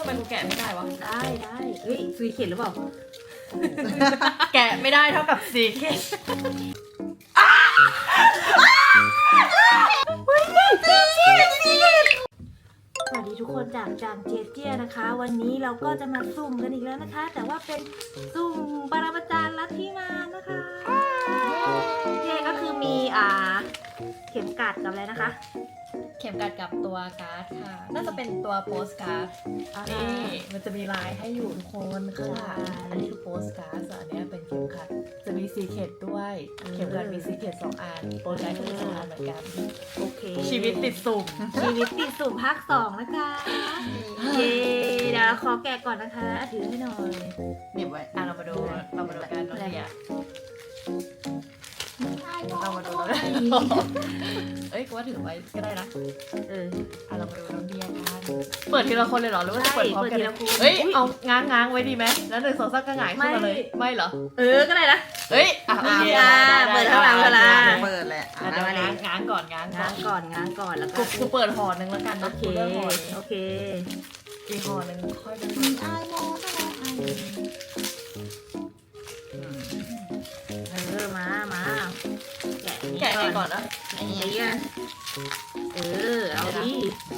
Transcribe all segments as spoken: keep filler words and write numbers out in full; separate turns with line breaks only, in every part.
ไมกูแกะไม่ได้วะ
ได้ได้เฮ้ยซีเขียนหรือเปล่า
แกะไม่ได้เท่ากับซีเขียน
สวัสดีทุกคนจากจางเจเจียนะคะวันนี้เราก็จะมาซุ่มกันอีกแล้วนะคะ แต่ว่าเป็นซุ่มปรมาจารย์ลัทธิมารนะคะเจก็คือมีอ่าเข็มกัดกับอะไรนะคะ
เข็มกัดกับตัวการ์ดค่ะน่าจะเป็นตัวโปสการ์ดนี่มันจะมีลายให้อยู่ทุกคนค่ะอันนี้คือโปสการ์ดส่วนอันนี้เป็นเข็มขัดจะมีซีเคทด้วยเข็มขัดมีซีเคทสองอันโปสการ์ดก็มีสองอันเหมือนกัน
โอเค
ชีวิตติดสุ่ม
ชีวิตติดสุ่มภาคสองนะคะเย้เดี๋ยวขอแกะก่อนนะคะถือให้หน่อย
เก็บไว้อ่ะเรามาดูเรามาดูกันน้องเดียเรามาดูเราได้เอ้ยกูว่าถือไว้ก็ได้นะ
เออ
อ่ะเรามาดูน้องเดียกันเปิดทีละคนเลยเหรอหรือว่าเปิดพร้อมกันเฮ้ยเอาง้างง้างไว้ดีไหมแล้วหนึ่งสองสามก็หงายขึ้นมาเลยไม่เหรอ
เออก็ได้นะ
เฮ้ยอ่ะโอเค
เปิดข้างหลังเวลา
เปิดแหละ
เดี๋ยวง้างง้างก่อนง้าง
ง้างก่อนง้างก่อนแล้วก็
กูเปิดห่อหนึ่งแล้วกัน
โอเคโอเค
อีกห่อหนึ่งค่อยดู
เออมามา
แกะก่อนนะ
ไอ้เหี้ยเออเอาดิ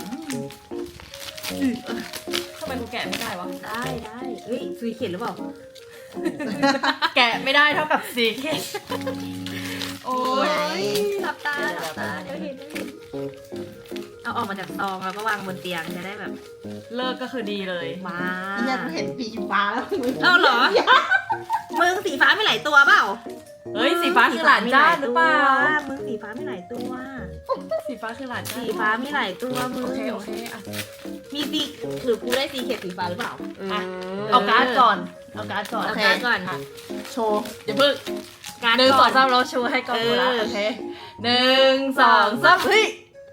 ทำไมกูแกะไม่ได้วะ
ได้ได้เฮ้ยซีเขียนหรือเปล่า
แกะไม่ได้เท่ากับซีเขียนโอ้
ยหลับตาหลับตาเดี๋ยวเห็นเอาออกมาจากซองแล้วก็วางบนเตียงจะได้แบบ
เลิกก็คือดีเลย
มา
อยากเห็นสีฟ้าแล้ว
เอ้าเหรอมึงสีฟ้าไม่หลายตัวเปล่า
เฮ้ยสีฟ้าคือหลานจ้าหรือเปล่า
มึงสีฟ้าไม่หลายตัว
สีฟ้าคือหลานจ้า
สีฟ้าไม่หลายตัวมึง
โอเคโอเคอ่ะ
มีสีคือกูได้สีเขียวสีฟ้าหรือเปล่า
อ่ะเอาการ์ดก่อนเอาการ์ดก่อน
เอาการ์ดก่อน
โชว์อย่าเพิ่งการ์ดหนึ่งสองสามเราโชว์ให้ก่อนกูละโอเคหนึ่งสองสามเฮ้ย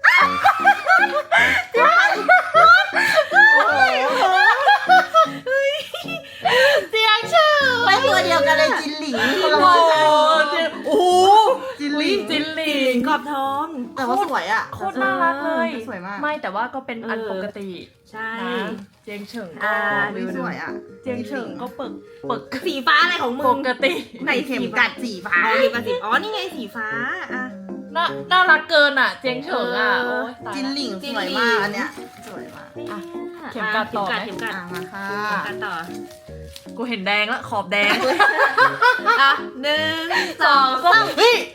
เจียงชื่อ
ไม่ตัวเดียวกันเลยจินหลิง
โอ้โหโอ้
จินหลิง
จินหลิง
กรอบทอง
แต่ว่าสวยอ่ะ
โคตรน่ารักเลย
สวยมาก
ไม่แต่ว่าก็เป็นอันปกติ
ใช่
เจียงเฉิง
อ่าสวยอ่ะ
เจียงเฉิงก็เปิกเปิก
สีฟ้าอะไรของมึง
ปกติ
ไหนเข็มกัดสีฟ้า
อ๋อเข็มกัดสีอ๋อนี่ไงสีฟ้าอ่ะ
น่าน่ารักเกินอ่ะเจียงเฉิงอ่ะ
จินหลิงสวยมากอันเนี้ยสวยมาก
เข็มกัดต่อไหม
เข็มกัด
มาค่ะ
เข็มกัดต่อ
กูเห็นแดงแล้วขอบแดง
อ่ะหนึ่งสองสาม
เฮ้ย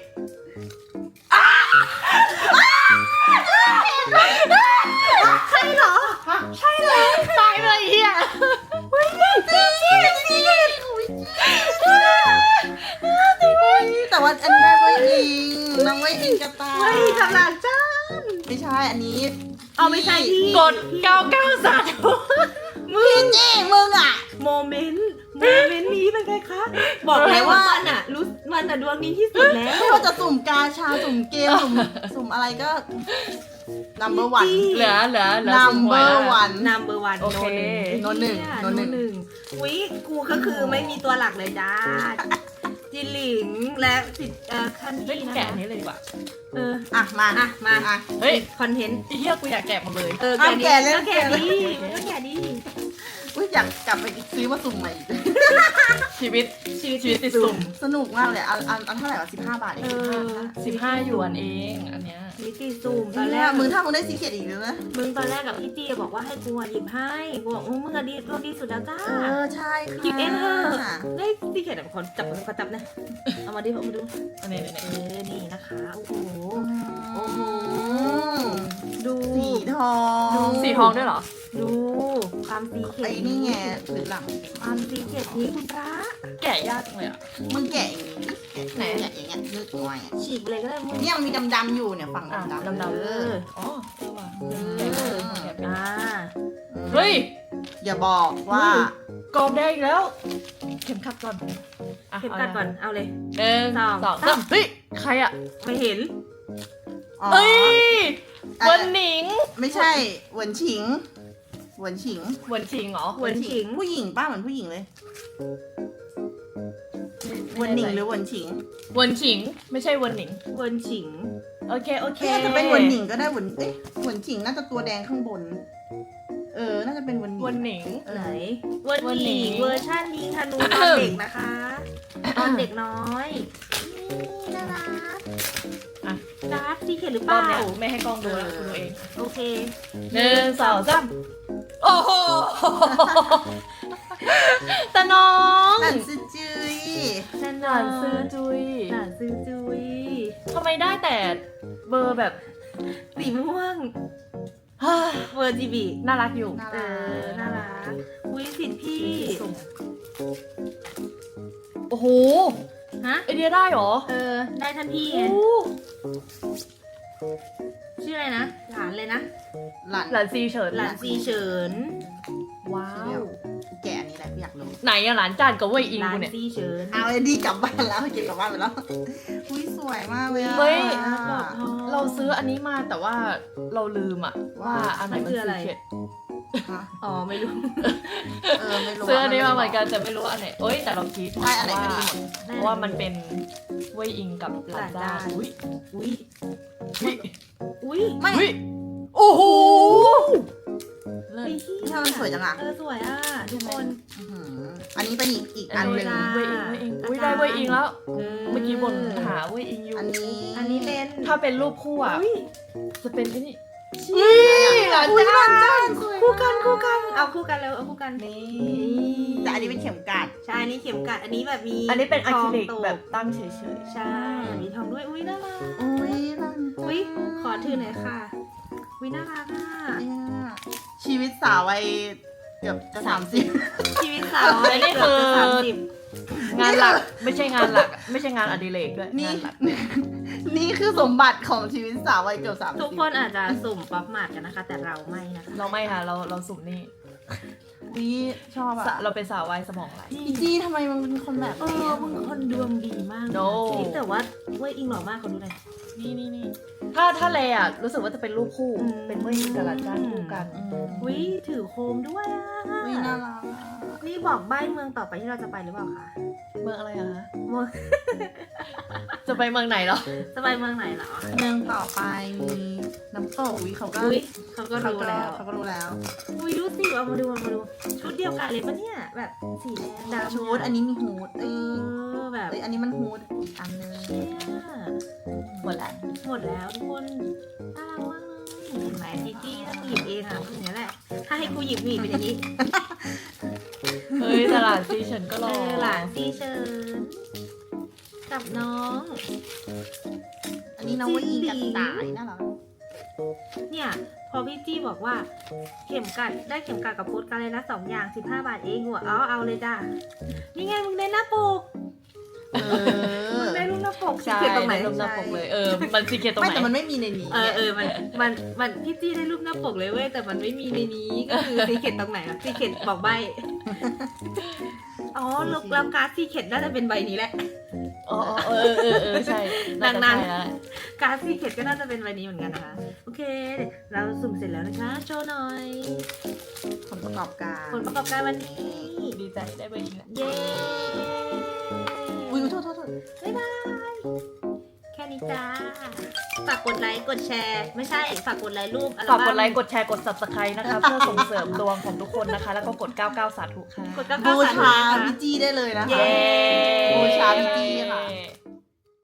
ใช่เหรอ
ใช่เลยตายเลยเฮีย
เฮ้ยจีจีจี
แต่ว่าอันนี้ไว้อิงน้องไว้อิงกระต่าย
เฮ้ยกำลังจ้า
ไม่ใช่อันนี้
เอาไม่ใช่ที่
กดเก้าเก้าสาม
มึงจีมึงอ่ะ
โมเมนต์โมเมนต์นี้เป็นไงคะบอกเลยว่ามันอ่ะรู้มันอ่ะดวงดีที่สุดแล้ว
ไม่ว่าจะสุ่มกาชาสุ่มเกมสุ่มสุ่มอะไรก็ number one
เหลือเหลือเหลือ
number one
number one
โอเค
โนหนึ่งโนหนึ่ง
อุ้ยกูก็คือไม่มีตัวหลักเลยจ้าจินหลิงและสิทธิ์คันที่
แกะนี้เลยดีกว่า
เออ
อ่ะมา
อ่ะมา
อ่ะ
เฮ้ย
คอนเทนต์
เฮียกูอยากแกะหมดเลย
เออแกะแล้วแกะดีก็แกะดี
อุ้ยอยากกลับไปซื้อมาสุ่มใหม่อีก
ชีวิตชีวิตชีวิตติดสุ่ม
สนุกมากเลยอันอันอันเท่าไหร่วะสิบห้าบาทเอง
สิบห้าหยวนเองอันเนี้ย
ชีวิตติดสุ่มตอนแรก
มึงถ้ามึงได้ซีเกตอีกเลยนะ
มึงตอนแรกกับพี่จีบอกว่าให้กูหยิบให้กูบอกมึงอะดีตัวดีสุดแล้วจ้า
เออใช่ค่ะ
หยิบเองเถอะได้ซีเกตแบบคนจับคนจับนะเอามาดิเอามาดู
อันนี้
เออนี่นะคะโอ้โหโอ้โหดู
สีทอง
สีทองด้วยเหรอ
ดูความซีเกต
ไอ้นี่ไงหรือหลัง
ความซีเกตนี้คุณพระ
แกะยากจังเลยอ่ะ
มึงแกะอย่างนี้ไหนแกะอย่างเงี้ยนึกง่าย
ฉีกเลยก็ได้มึง
เนี่ยมันมีดำๆอยู่เนี่ยฝั่งดำ
ๆดำๆเอออ๋อเออว่ะ
อ่า
เฮ้ย
อย่าบอกว่าก
รอบแดงอีกแล้วเข็มขัดก่อน
เข็มขัดก่อนเอาเลย
หนึ่งสองสามเฮ้ยใครอ่ะ
ไม่เห็น
เอ้ยเวินหนิง
ไม่ใช่เวินฉิงเวินฉิง
เวินฉิงเหรอ
เวินฉิง
ผู้หญิงป้าเหมือนผู้หญิงเลยเวินหนิงหรือเวินฉิง
เวินฉิงไม่ใช่เวินหนิง
เวินฉิง
โอเคโอเค
จะเป็นเวินหนิงก็ได้เวินเอ๊ะเวินฉิงน่าจะตัวแดงข้างบนเออ น่าจะเป็นวัน
วันหนิง
เออ
ไหนเวอร์
วัน
ห
นี้
นีเวอร์ชันยิงธนูตอนเด็กนะคะ ตอนเด็กน้อยนี่น่ารัก
อ่ะ
การ์ดซีเขียนหรือเป
รอ
ล่า
บเนี้ยไม่ให้กล้องดูแล้วคุณดูเอง
โอเค
หนึ่งสองสามโอ้โหตาน้อง
หลานซื้อจุย
แน่น
ห
อ
ลาน นซื้อจุย
หลานซื้อจุย
ทำไมได้แต่เบอร์แบบ
สีม่วงเวอร์จีบี
น่ารักอยู่
น่า
เอ
รั
อก น่ารักอุ้ยสิทธิ์พี่
โอ้โห
ฮะ
ไอเดียได้เหรอ
เออ ได้ทันพี่ไง
โอ้
ชื่ออะไรนะ หลานเลยนะ
หลาน
หลานซีเฉิน
หลานซีเฉิน
ว้า
เดี๋ยว วกูแกะอันนี้แหละกูอยากรู้
ไหนอะหลานจานกับเว่ยอิง
หลาน
กูเนี่ย
ซีเฉิน
เอาไอ้ดีกลับบ้านแล้วเก็บกลับบ้านไปแล้ว อุ้ยสวยมากเลยอะ
เฮ้ย
ปลอดทอง
เราซื้ออันนี้มาแต่ว่าเราลืมอะว่าอันไหน
มัน
มัน
คืออะไร
ซีเค็ด
ฮะ
อ๋อไม่รู้
เออไม่รู้
ซื้ออันนี้มาเหมือนกันแต่ไม่รู้ว่าอันไหนเอ้ยแต่เราคิด
ใช่อันไหน
ว่า
ก็ดีหมด
เพราะว่ามันเป็นเว่ยอิงกับหลานจานอุ้ย
อุ้ย
อุ้ย
อุ้ย
ไม่
อุ้ยโอ้โหเลิศ
ไอ้เหี้
ทำไมมันสวยจังอะ
เออสวยอ่ะทุกคน
อื้อหืออันนี้เป็นอีกอีกอันหนึ่ง
จ้า
เว่ยอิงเว่ยอิงอุ้ยได้เว่ยอิงแล้ว
เออ
เมื่อกี้บนหาเว่ยอิงอยู่
อันนี้
อันนี้เป็น
ถ้าเป็นรูปคู่อะ
อุ้ย
จะเป็นไอ้นี่
หลาน
อุ้ย
จ้า
หลานจ้าน
สวย
คู่กันคู่กัน เอาคู่กันแล้วเอาคู่กัน
นี่แต่อันนี้เป็นเข็มกัด
ใช่อันนี้เข็มกัดอันนี้แบบมี
อันนี้เป็นอะคริลิก
ทงต
แบบตั้งเฉย
ใช่มีทองด้วยอุ้ยน่ารัก
อุ้ยหลาน
อุ้ยขอถือหน่อยค่ะอุ้ยน่ารักอ่ะ
เนี่ยชีวิตสาววัยเกือบจะสามสิบ
ชีวิตสาววัยเกือบจะสามสิบ
ๆ งานหลักไม่ใช่งานหลัก ไม่ใช่งานอดิเรกด้วย
นี่
งานหลัก
นี่คือสมบัติของชีวิตสาววัยเกือบสามสิบ
ทุกคนอาจจะสุ่มป๊อปมาร์ทกันนะคะ แต่เราไม่นะคะ
เราไม่ค่ะเราเราสุ่มนี่
นี่ชอบ
สะ
อะ
เราเป็นสาววายสมองไหล
อีจี้ทำไมมึงเป็นคนแบบ
เอ
นี้
อ
อะ
มึงคนดวงดีมาก
No
จริงแต่ว่าเว้ยอิงหล่อมากเขาดูหน่อย
นี่นี่นี่ถ้าถ้าเลอ่ะรู้สึกว่าจะเป็นรูปคู่
อืม
เป็นเว่ยอิงกับหลานจ้านคู่กัน
อืม
อุ้ยถือโคมด้วยอ่ะ
อุ้ยน่ารักอะ
นี่บอกใบ้เมืองต่อไปที่เราจะไปหรือเปล่าคะ
เมืองอะไรอะคะ
เมือง
จะไปเมืองไหนเหรอ
จะไปเมืองไหนเหรอ
เมืองต่อไปมีน้ำตกอุ้ยเขาก็
อุ้ยเขาก็
เขา
รู้
ก็
แล้ว
เขาก็รู้แล้ว
อุ้ยดูสิเอามาดูเอามาดูชุดเดียวกันเลยปะเนี่ยแบบสีแดงดำ
ชุดอันนี้มีฮูด
เอ
เอ้ย
อแบบ
เอ้ยอันนี้มันฮูดอีกอันนึง
เนี่ย
หมดแล้ว
หมดแล้วทุกคนน่ารักมากเลยเห็นไหมจีจี้ถ้ากูหยิบเองอ่ะอย่างนี้ยแหละถ้าให้กูหยิบหนีเป็นอย่างนี้
เฮ้ยตลาดซีเฉินก็ร
เอ
อ
อหลานซีเชิญกับน้อง
อันนี้น้องว่าอีกับตายน่ารัก
เนี่ยพอพี่จี้บอกว่าเข็มกัดได้เข็มกัดกับโพสต์การเลยละสองอย่างสิบห้าบาทเองหัวเอาเอาเลยจ้านี่ไงมึงได้หน้าปก
เออ
มึงได้รูปหน้าปก
ใช่
เขียนตรงไหน
รูปหน้าปกเลย เออ มันซีเค็ดตรง
ไม่
ไหน
แต่มันไม่มีในนี้
เออเออมันมันมันพี่จี้ได้รูปหน้าปกเลยเว้ยแต่มันไม่มีในนี้ก็คือซีเข็ดตรงไหนอะซีเข็ดบอกใบอ๋อลูกแล้วการ์ดซีเข็ดน่าจะเป็นใบนี้แหละ
อ๋อเออเออเออใช่าจะ
นานๆ
ใช่แล้วแหละ
การ์ดซีเข็ดก็น่าจะเป็นใบนี้เหมือนกันนะคะโอเคเราสุ่มเสร็จแล้วนะคะโชว์หน่อย
ผลประกอบการ
ผลประกอบการวันนี้
ดีใจได้เบอร์อิงแล้ว
เย้
อุ้ยโทษโทษโทษ
บ๊ายบาย แค่นี้จ้า ฝากกดไลค์ กดแชร์ ไม่ใช่ ฝากกดไลค์รูปอัล
ฝาก
บั้ม
กดไลค์ กดแชร์ กด subscribe นะคะ เพื่อส่งเสริมดวงของทุกคนนะคะ แล้วก็กดเก้าสิบเก้าสาธุค่ะ
กดเก้าเก้า
บู
สาม
ชา
นะคะ
พี่จี้ได้เลยนะคะ
เย้
บูชาพี่จี้ค่ะ